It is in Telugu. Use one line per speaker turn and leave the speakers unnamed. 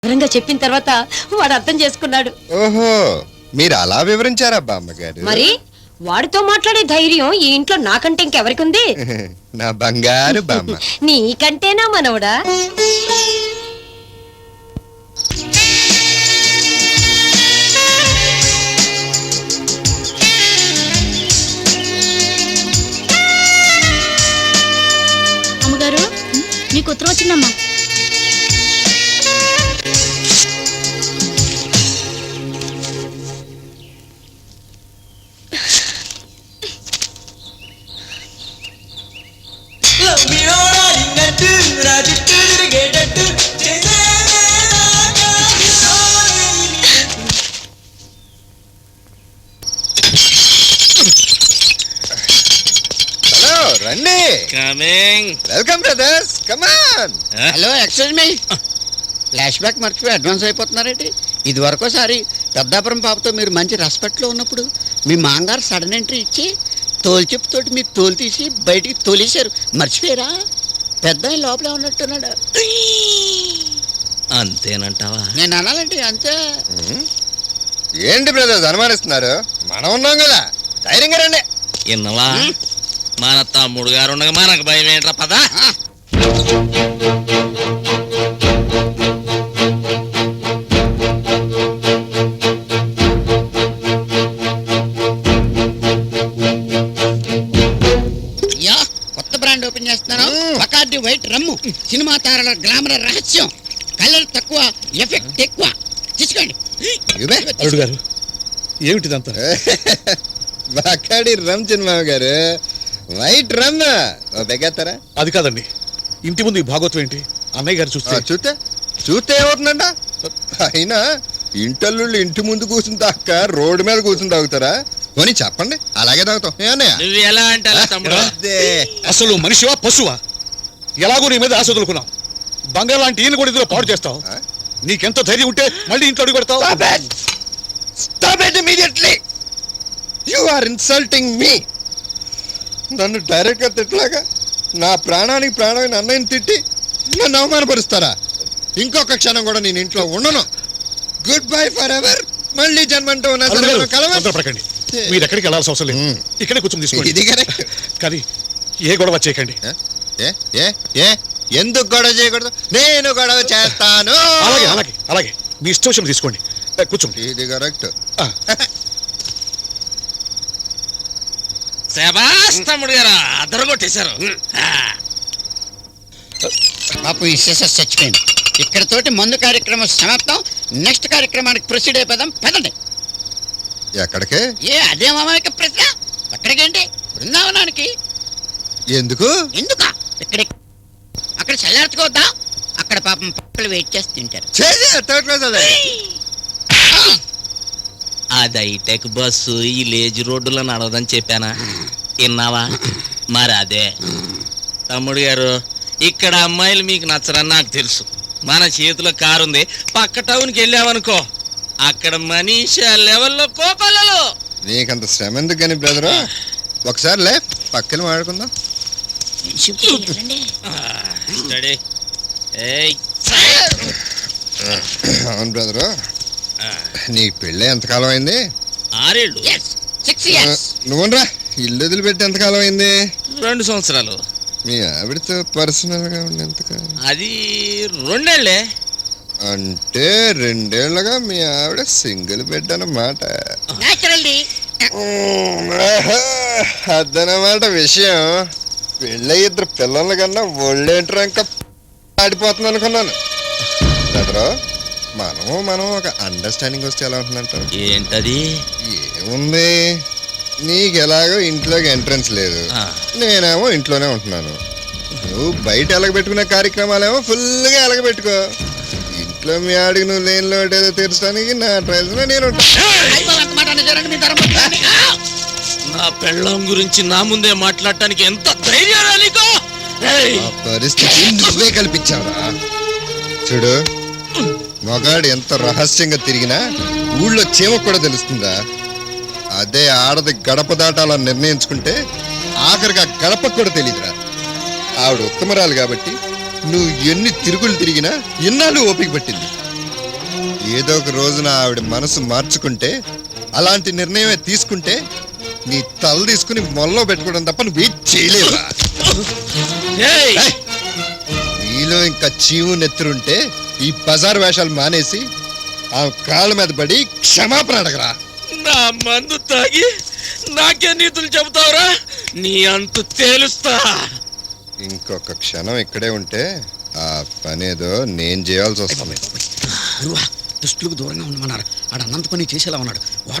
వివరంగా చెప్పిన తర్వాత వాడు అర్థం చేసుకున్నాడు.
ఓహో, మీరు అలా వివరించారా బామ్మగారు?
మరి వాడితో మాట్లాడే ధైర్యం ఈ ఇంట్లో నాకంటే ఇంకెవరికి ఉంది?
నా బంగారు బామ్మ.
నీకంటేనా మనవడా?
అమ్మగారు, మీకు ఉత్తరం వచ్చిందమ్మా.
హలో, రండి.
Coming.
Welcome brothers, come on.
Hello, excuse me. Flash back మర్చిపోయి అడ్వాన్స్ అయిపోతున్నారేంటి? ఇది వరకోసారి పెద్దాపురం పాపతో మీరు మంచి రెస్పెక్ట్లో ఉన్నప్పుడు మీ మాంగారు సడన్ ఎంట్రీ ఇచ్చి తోలుచెప్పుతోటి మీ తోలు తీసి బయటికి తోలేశారు. మర్చిపోయారా? పెద్ద ఆయన లోపలే ఉన్నట్టున్నాడు.
అంతేనంటావా?
నేను అనాలంటే అంతే.
ఏంటి బ్రదర్స్ అనుమానిస్తున్నారు? మనం ఉన్నాం కదా, ధైర్యంగా రండి.
ఇన్నవా? మన తమ్ముడు గారు ఉండగా మనకు భయం ఏంట్రా? పద.
యా, కొత్త బ్రాండ్ ఓపెన్ చేస్తున్నాను. Bacardi white rum. సినిమా తారల గ్లామర్ రహస్యం. కలర్ తక్కువ, ఎఫెక్ట్ ఎక్కువ. తీసుకోండి.
అల్లుడు గారు, ఏమిటిదంతా?
బాకాడి రమ్ చిన్నమామ గారు, వైట్ రమ్. ఓ బెగ్గేస్తారా?
అది కాదండి, ఇంటి ముందు ఈ భాగవతం ఏంటి? అన్నయ్య గారు చూస్తే
చూస్తే చూస్తే ఏమవుతుందంట? అయినా ఇంటల్లుళ్ళు ఇంటి ముందు కూర్చుని తాక రోడ్డు మీద కూర్చుని తాగుతారా? కొని చెప్పండి, అలాగే తాగుతాం. ఏమన్నయ్య?
నువ్వు ఎలా అంటే అలా తమ్ముడు.
అదే.
అసలు మనిషివా పశువా? ఎలాగో నీ మీద ఆశ వదులుకున్నాం. బంగారు లాంటి ఈయన కూడా ఇందులో పాడు చేస్తావు. నీకెంత ధైర్యం ఉంటే మళ్ళీ ఇంట్లో అడుగు పెడతావు?
Stop it immediately! You are insulting me! నన్ను డైరెక్ట్గా తిట్టలాగా నా ప్రాణానికి ప్రాణమైన అన్నయ్యని తిట్టి నన్ను అవమానపరుస్తారా? ఇంకొక క్షణం కూడా నేను ఇంట్లో ఉండను. Goodbye forever. మళ్ళీ జన్మంటూ ఉన్నా సరే మనం కలవం.
తొందరపడకండి. మీరు ఎక్కడికి వెళ్ళాల్సిన అవసరం లేదు. ఇక్కడే కూర్చొని తీసుకోండి.
ఇది కరెక్ట్.
కానీ ఏ గొడవ చేయకండి.
ఎందుకు గొడవ చేయకూడదు? నేను గొడవ చేస్తాను.
అలాగే అలాగే అలాగే మీ ఇష్టం తీసుకోండి. కూర్చోండి.
ఇది కరెక్ట్.
శబాష్ తమ్ముడు గారు, అదరగొట్టేశారు.
పాపు ఈ సిసెస్ చచ్చిపోయింది. ఇక్కడతోటి మందు కార్యక్రమం సమాప్తం. నెక్స్ట్ కార్యక్రమానికి ప్రొసీడ్ అయిపోదాం. పదండి.
ఎక్కడికే?
అదే మామయ్య ప్రశ్న. అక్కడికేంటి? బృందావనానికి.
ఎందుకు?
ఎందుకా? అక్కడ చల్లార్చుకోవద్దా? అక్కడ పాపం పక్కలు వెయిట్ చేసి తింటారు.
థర్డ్ క్లాస్ అదే.
అది హైటెక్ బస్సు ఈ లేజీ రోడ్డులో నడవదని చెప్పానా? విన్నావా? మరి అదే తమ్ముడు గారు, ఇక్కడ అమ్మాయిలు మీకు నచ్చరని నాకు తెలుసు. మన చేతిలో కారు ఉంది. పక్క టౌన్కి వెళ్ళామనుకో, అక్కడ మనీషా లెవెల్లో కోకొల్లలు.
నీకంత శ్రమ ఎందుకు కానీ బ్రదరు? ఒకసారి లే, పక్కన మాట్లాడుకుందాం.
స్టడీ. ఏయ్,
అవును బ్రదరు, నీ పెళ్ళి ఎంతకాలం అయింది?
6 ఏళ్ళు.
6 years.
నువ్వురా, ఇల్లు వదిలిపెట్టి ఎంతకాలం అయింది?
2 సంవత్సరాలు.
మీ ఆవిడతో పర్సనల్ గా ఉండి ఎంతకాలం?
అది 2 ఏళ్ళే.
అంటే 2 ఏళ్ళగా మీ ఆవిడ సింగిల్ బెడ్ అన్నమాట.
Naturally.
అదనమాట విషయం. పెళ్ళి 2 పిల్లల కన్నా ఒళ్ళేంటరా ఇంకా ఆడిపోతుంది అనుకున్నాను. బ్రదరు, మనం ఒక అండర్స్టాండింగ్ వస్తే ఎలా ఉంటుందంటారు?
ఏంటది?
ఏముంది, నీకు ఎలాగో ఇంట్లోకి ఎంట్రన్స్ లేదు, నేనేమో ఇంట్లోనే ఉంటున్నాను. నువ్వు బయట ఎలగబెట్టుకునే కార్యక్రమాలేమో ఫుల్గా ఎలగబెట్టుకో. ఇంట్లో మీ ఆడికి నువ్వు లేని లోటు ఏదో తీర్చడానికి నా ట్రైల్స్ లో నేను
నా పెళ్ళం గురించి నా ముందే మాట్లాడటానికి ఎంత ధైర్యం నీకు?
పరిస్థితి నువ్వే కల్పించావురా. చూడు, మగాడు ఎంత రహస్యంగా తిరిగినా ఊళ్ళో చీమ కూడా తెలుస్తుందా? అదే ఆడది గడప దాటాలని నిర్ణయించుకుంటే ఆఖరికి ఆ గడపకు కూడా తెలియదురా. ఆవిడ ఉత్తమరాలు కాబట్టి నువ్వు ఎన్ని తిరుగులు తిరిగినా ఇన్నాళ్ళు ఓపిక పట్టింది. ఏదో ఒక రోజున ఆవిడ మనసు మార్చుకుంటే, అలాంటి నిర్ణయమే తీసుకుంటే నీ తల తీసుకుని మొల్లో పెట్టుకోవడం తప్ప నువ్వు ఏం చేయలేవా?
ఏయ్!
ఏయ్! నీలో ఇంకా చీవు నెత్తురుంటే ఈ బజార్ వేషాలు మానేసి ఆ కాళ్ళ మీద పడి క్షమాపణ అడగరా.
నా మందు తాగి నాకే నీతులు చెబుతావురా? నీ అంతు తేలుస్తా.
ఇంకొక క్షణం ఇక్కడే ఉంటే ఆ పనేదో నేను చేయాల్సి వస్తుంది.
గురువా దుస్తులకు దూరంగా ఉండమన్నారు. ఆడ అనంత పని చేసేలా ఉన్నాడు. వాడు